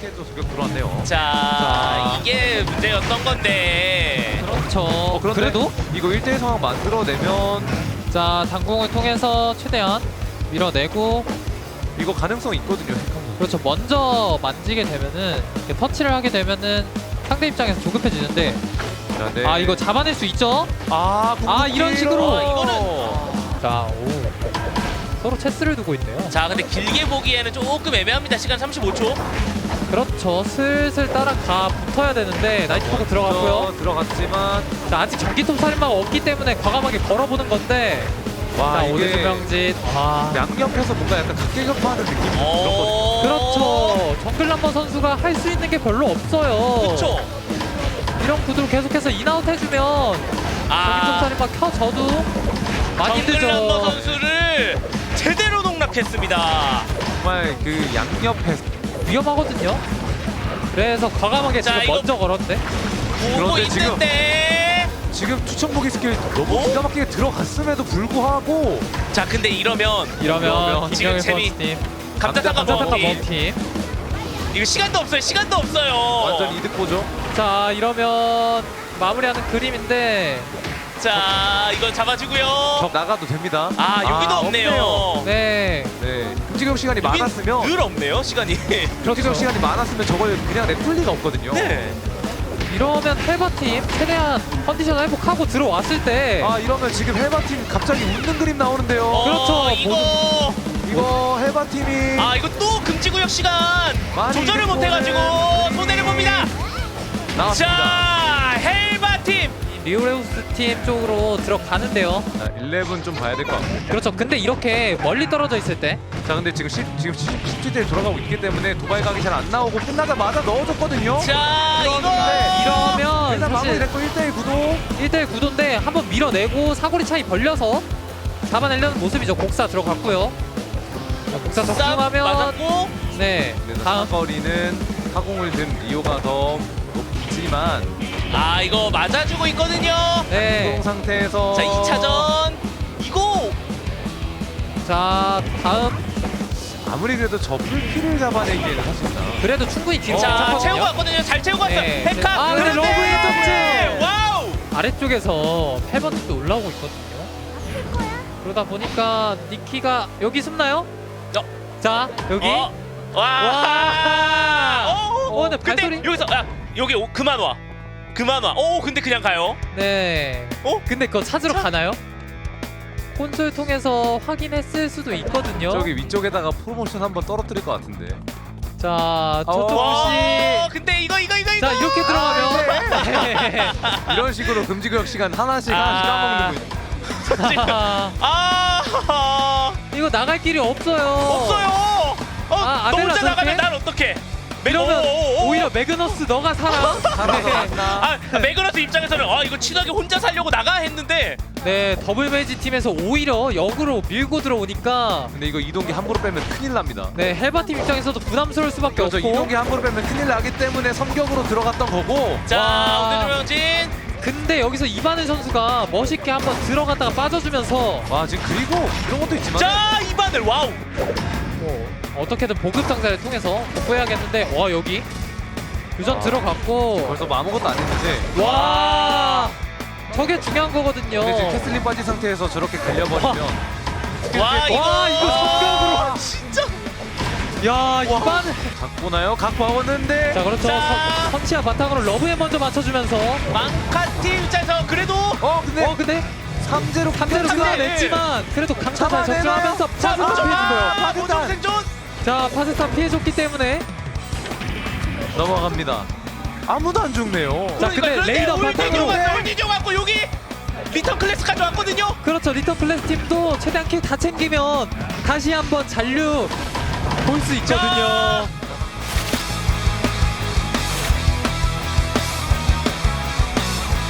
이렇게도 저격 들어왔네요. 자, 이게 문제였던 건데. 그렇죠. 그런데 그래도 이거 1대1 상황 만들어내면 자 당공을 통해서 최대한 밀어내고 이거 가능성 있거든요. 그렇죠. 먼저 만지게 되면은 이렇게 터치를 하게 되면은 상대 입장에서 조급해지는데 자, 네. 아 이거 잡아낼 수 있죠? 이런 식으로. 이거는 자 오. 서로 체스를 두고 있네요. 자, 근데 길게 보기에는 조금 애매합니다. 시간 35초. 그렇죠. 슬슬 따라가 붙어야 되는데 나이트포크 들어갔고요. 들어갔지만 자 아직 전기톱 살인마가 없기 때문에 과감하게 걸어보는 건데 와 자 이게 오대수명진 양옆에서 뭔가 약간 각계격파하는 느낌이 들었거든요. 그렇죠. 정글람버 선수가 할 수 있는 게 별로 없어요. 그렇죠. 이런 구도로 계속해서 인아웃 해주면 전기톱 살인마 켜져도 많이 정글람버 늦죠. 선수를 제대로 농락했습니다. 정말 그 양옆에서 위험하거든요. 그래서 과감하게 자, 지금 이거- 먼저 걸었대. 보고 그런데 지금- 있는데. 지금 추천보기 스킬 너무 어? 기가 막히게 들어갔음에도 불구하고 자, 근데 이러면 이러면 지금 김영일 재미- 선수팀 감자탕 감자탕 먹기. 먹팀. 이거 시간도 없어요. 시간도 없어요. 완전 이득 보죠. 자 이러면 마무리하는 그림인데 자, 이건 잡아주고요. 적 나가도 됩니다. 아, 여기도 없네요. 네 네, 금지경 시간이 여긴 많았으면 늘 없네요. 시간이. 금지경 시간이 많았으면 저걸 그냥 냅둘 리가 없거든요. 네. 이러면 헬바팀 최대한 컨디션 회복하고 들어왔을 때 아 이러면 지금 헬바팀 갑자기 웃는 그림 나오는데요. 그렇죠. 이거 헬바 팀이 이거 또 금지구역 시간 많이 조절을 이득 못해가지고 손해를 봅니다. 나왔습니다. 자, 헬바 팀. 리오레우스 팀 쪽으로 들어가는데요. 자, 11 좀 봐야 될 것 같고. 그렇죠. 근데 이렇게 멀리 떨어져 있을 때 자, 근데 지금 10대 돌아가고 있기 때문에 도발 각이 잘 안 나오고 끝나자마자 넣어줬거든요. 자, 이러면 일단 사실 마무리됐고 1대1 구도. 1대1 구도인데 한번 밀어내고 사거리 차이 벌려서 잡아내려는 모습이죠. 곡사 들어갔고요. 자, 곡사 싹 적중하면 맞았고. 네 그래서 다음 사거리는 타공을 든 리오가 더 높지만 아, 이거 맞아주고 있거든요. 네. 운동 상태에서 자, 2차전 이거 자 다음 아무리 그래도 저 풀피를 잡아내기에는 사실상 그래도 충분히 뒤로 자, 괜찮거든요. 채우고 왔거든요. 잘 채우고 왔어요. 네. 헤카. 아, 근데 그런데 러브의 덕질! 와우. 아래쪽에서 8번도 올라오고 있거든요. 그러다 보니까 니키가 여기 숨나요? 자 여기 와. 근데 근데 발소리? 여기서 여기 그만 와. 그만 와. 근데 그냥 가요. 네. 근데 그거 찾으러 가나요? 콘솔 통해서 확인했을 수도 있거든요. 저기 위쪽에다가 프로모션 한번 떨어뜨릴 것 같은데. 자 초토부 와, 씨. 근데 이거. 자 이렇게 들어가면 네. 이런 식으로 금지구역 시간 하나씩 까먹는 거예요. 이거 나갈 길이 없어요. 없어요. 너 아델라 혼자 나가면 저렇게? 난 어떡해? 이러면 오히려 매그너스 너가 살아. 매그너스 입장에서는 이거 친하게 혼자 살려고 나가 했는데 네 더블 매지 팀에서 오히려 역으로 밀고 들어오니까 근데 이거 이동기 함부로 빼면 큰일 납니다. 네 헬바 팀 입장에서도 부담스러울 수밖에 그렇죠. 없고. 이동기 함부로 빼면 큰일 나기 때문에 섬격으로 들어갔던 거고. 자, 오대조명진. 근데 여기서 이바늘 선수가 멋있게 한번 들어갔다가 빠져주면서 와 지금 그리고 이런 것도 있지만. 자, 이반을 와우. 어떻게든 보급 상자를 통해서 복구해야겠는데 와 여기 유전 들어갔고 벌써 뭐 아무것도 안 했는데. 와 저게 중요한 거거든요. 근데 지금 캐슬린 빠진 상태에서 저렇게 갈려버리면. 와, 이거 성격으로. 진짜. 야 이바늘. 갖고 나요? 갖고 왔는데. 자 그렇죠. 자. 선치야 바탕으로 러브에 먼저 맞춰주면서 망카팀 입장에서 그래도 근데 3제로 3대로 끊어냈지만 그래도 강타 잘 적중하면서 자, 파스타 피해준 거예요. 보정 생존. 자 파스타 피해줬기 때문에 넘어갑니다. 아무도 안 죽네요. 자 근데 레이더 바탕으로 올디뇨 갖고 여기 리턴 클래스 가져왔거든요. 그렇죠. 리턴 플래스 팀도 최대한 킬 다 챙기면 다시 한번 잔류 볼 수 있거든요.